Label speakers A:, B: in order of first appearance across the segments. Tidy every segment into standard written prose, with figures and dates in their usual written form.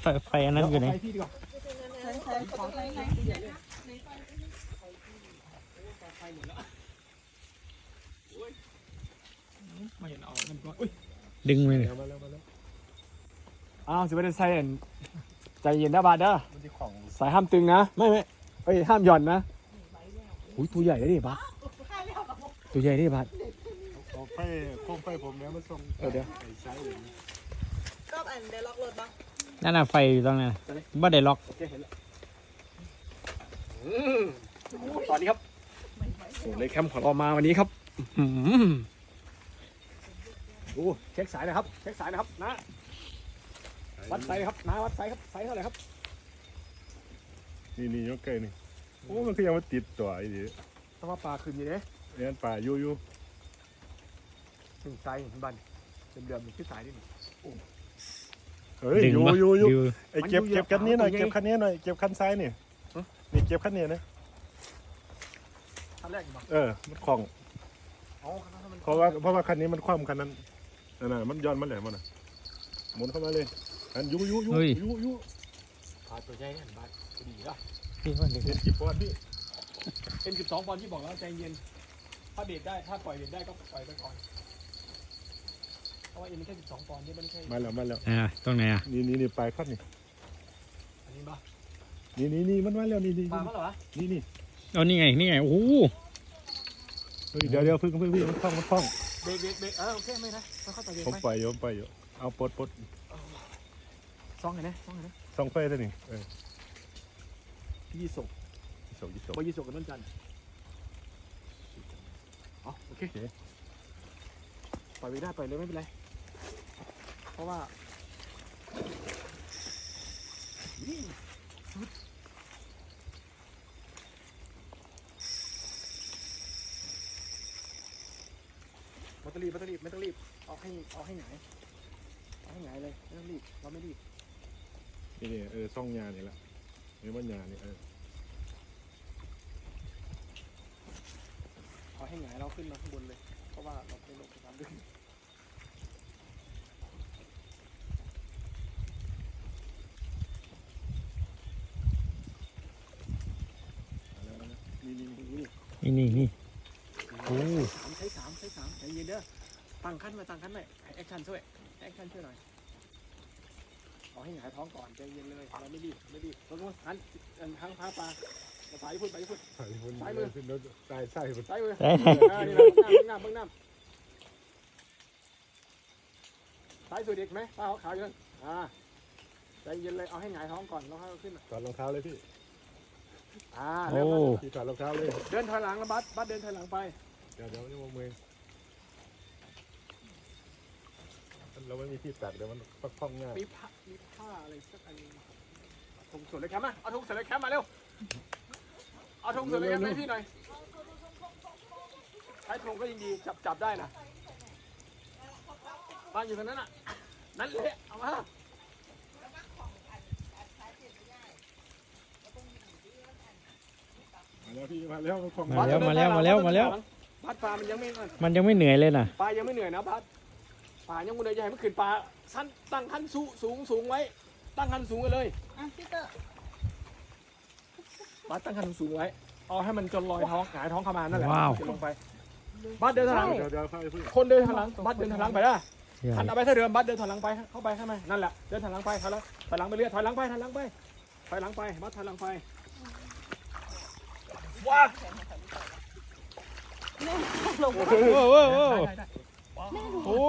A: ไฟอันนั้นอยู่ไหนดึงไปเลย
B: สิไม่ได้ใส่ใจเย็นนะบาดเด้อสายห้ามตึงนะไม่ห้ามหย่อนนะอุ้ยตัวใหญ่เลยดิบาดตัวใหญ่ดิบาด
C: โคมไฟผมแล้วมาส่ง
B: เดี๋ยว
C: ใช้เลย
D: ก็อันเดล็อกรถบ้าง
A: นั่นน่ะไฟอยู่ตรงนั้นบ่ได้ล็อก
B: ตอนนี้ครับเลยแคมป์ของเรามาวันนี้ครับดูเช็คสายนะครับเช็คสายนะครับนะวัดไซครับนะวัดไซครับไซเท่าไหร่ครับ
C: นี่ยกไก่นี่โอ้มันคือยังมาติดตัวไอ้ดิ
B: เพราะว่าปลาคืนอยู่เนี่ย
C: ปลาอยู่
B: ถึงไซบันเดิมๆที่สายนี่
C: เฮ้ยอยู่ไอ้เก็บคันนี้หน่อยเก็บคันนี้หน่อยเก็บคันซ้ายนี่เก็บคันนี้นะ
B: คันแรกมั้ง
C: มันคล่องเพราะว่าคันนี้มันคว่ำคันนั้นน่ะมันย้อนมาเลยมันหมุนเข้ามาเลยอันยู
B: ปลาตัวใหญ่เนี่ยบาดดีละ
A: พี่ว่า
C: เห็นกี่ปอนด์พี่
B: เป็น12 ปอนด์ที่บอกแล้วใจเย็นถ้าเบรกได้ถ้าปล่อยเบรกได้ก็ปล่อยไปก่อนเพราะว่าเอ็นแค่12 ปอนด์นี่ไม่ใช่
C: มาแล้ว
A: ตรงไหน
C: นี่ปลายครับนี่
B: อันนี้ปะ
C: นี่มันมาแล้วนี่
B: ปลามาเหรอ
C: นี่
A: เอานี่ไงโอ้โห
C: เดี๋ยวพึ่งพี่มันคล่อง
B: เบรกโอเคไม่นะค่อยๆไปเบรก
C: ผมไปอยู่เอาปลด
B: ซ่องไงนะ
C: ซ่องไฟซะนี่
B: ยี่สกกับน้นจันโอเคปล่อยไปได้ปล่อยเลยไม่เป็นไรเพราะว่าไม่ต้องรีบเอาให้หงายเลยไม่ต้องรีบเราไม่รีบ
C: นี่ซ่องยานี่แหละนี่มันยานี่
B: เอาให้หงายเราขึ้นมาข้างบนเลยเพราะว่าเราไปลงน้ำดึง
A: นี่โอ้
B: ใช้สามใจเย็นเด้อตั้งขั้นไว้แอคชั่นช่วยหน่อยเอาให้หงายท้องก่อนใจเย็นเลยเราไม่รีบเราต้องหันทางพาปลาสายพุ่นซ้ายมือซ้ายมือ
A: ใช่
B: นี่เราเบื้องน้ำซ้ายสุดอีกไหมปลาขาวอยู่นั่นใจเย็นเลยเอาให้หงายท้องก่อนแล้วค่อยขึ้น
C: ถอดรองเท้าเลยพี่
A: โอ้
C: พี่ถอดรองเท้าเลย
B: เดินถอยหลังแล้วบัสเดินถอยหลังไป
C: เดี๋ยวนี่มองมือเราไม่มีที่ตัดเดี๋ยวมันคล่องง่าย
B: มีผ้าอะไรสักอันนึงถุงส่วนเลยแคมป์เอาถุงส่วนเลยแคมป์มาเร็วเอาถุงส่วนเลยแคมป์ให้พี่หน่อยใช้ถุงก็ยิ่งดีจับได้นะบ้านอยู่ตรงนั้นน่ะนั่นแหละเอามา
C: แล้วพี่มาแล้ว
A: มา
B: ปลามันยัง
A: ไม่เหนื่อยเลยนะ
B: ปลายังไม่เหนื่อยนะปลายังไม่เหนื่อยใหญ่เมื่อคืนปลาสั้นตั้งขั้นสูงไว้ตั้งขั้นสูงกันเลย
D: พี่เตอร์
B: บัสตั้งขั้นสูงไว้เอาให้มันจนลอยท้องหงายท้องเข้ามานั่นแหละจะลงไปบัสเดินถอยหลังคนเดินถอยหลังบัสเดินถอยหลังไปได้หันเอาไปเท่าเดิมบัสเดินถอยหลังไปเข้าไปข้างในนั่นแหละเดินถอยหลังไปถอยหลังไปเรื่อยถอยหลังไปบัสถอยหลังไปว้า
A: โอ้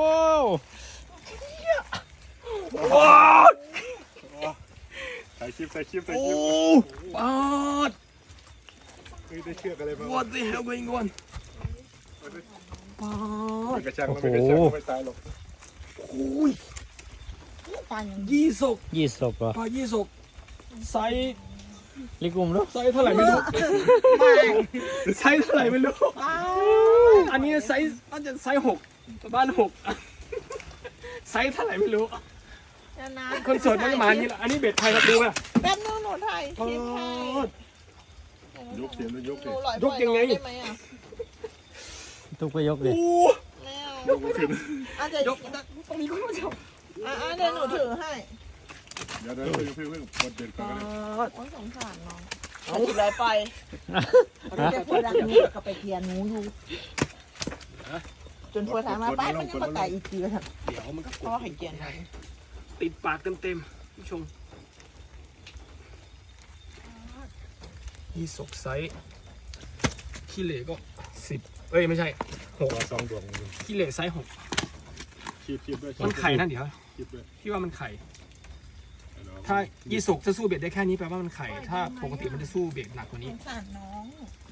C: ใส่คลิป
B: ปาด
C: ได้เชือกอะไรบ้าง
B: What the hell going on ปาด
C: กระชังไม่ตายหรอก
B: โอ้ย
D: ปลาอย่าง
A: ยี่สกเหรอ
B: ปลายี่สกไซส์
A: ลิกุมรู้
B: ไซส์เท่าไหร่ไม่รู้ไซส์เท่าไหร่ไม่รู้อันนี้ไซส์น่าจะไซส์6บ้าน6ไซส์เท่าไหร่ไม่รู้คนสดมันมานี่แหละอันนี้เบ็ดไทยครับดูป่ะ
D: แป๊บนึงหนูถ่ายคลิปให้
C: ยกเสียงยก
B: ยังไง
A: ทุกไปยกเลย
D: อาจจะยกต้องมีคนมาจับเดี๋ยวหนูถือให้
C: ดี๋ยวเพิ่งกดเด็ดก่อน
D: โอ้ยสงสารน้องเอาอีกเลยไปแต่พอรักหนูก็ไปเทียนหนูอยู่จนพอถามมาไปมันยังมาไก่อีกทีเลยครับ
B: เดี๋ยวมันก็ก
D: พ่อ
B: ด
D: ให้เกียนให้
B: ติดปากเต็มๆผู้ชมยี่สกไซส์ขี้เหร่ก็10เอ้ยไม่ใช่
C: ตัวสองดวง
B: ขี้เหร่ไซส์6
C: คีบด้วย
B: มันไข่นั่นเดี๋ยว
C: คีบด้วย
B: พี่ว่ามันไข่ ถ้ายี่สกจะสู้เบ็ดได้แค่นี้แปลว่ามันไข่ ถ้าปกติมันจะสู้เบ็ดหนักกว่า
D: ส
B: นี้
D: งสารน้อง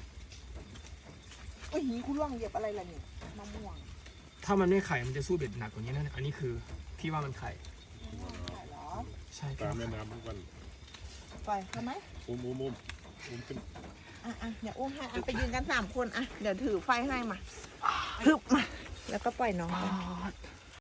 D: โอ้ยหีคุณล่องเหยียบอะไรล่ะนี่มะม่วง
B: ถ้ามันไม่ไข่มันจะสู้เบ็ดหนักกว่านี้นั่นอันนี้คือพี่ว่ามันไข่
D: ใช่เหรอ
B: ใช่
C: ตามแม่น้ำทุกวัน
D: ไปทำไหม
C: อุ้มขึ้น
D: อ่ะเดี๋ยวอุ้มให้ไปยืนกัน3 คนอ่ะเดี๋ยวถือไฟให้มาฮึบมาแล้วก็ปล่อยน้องไป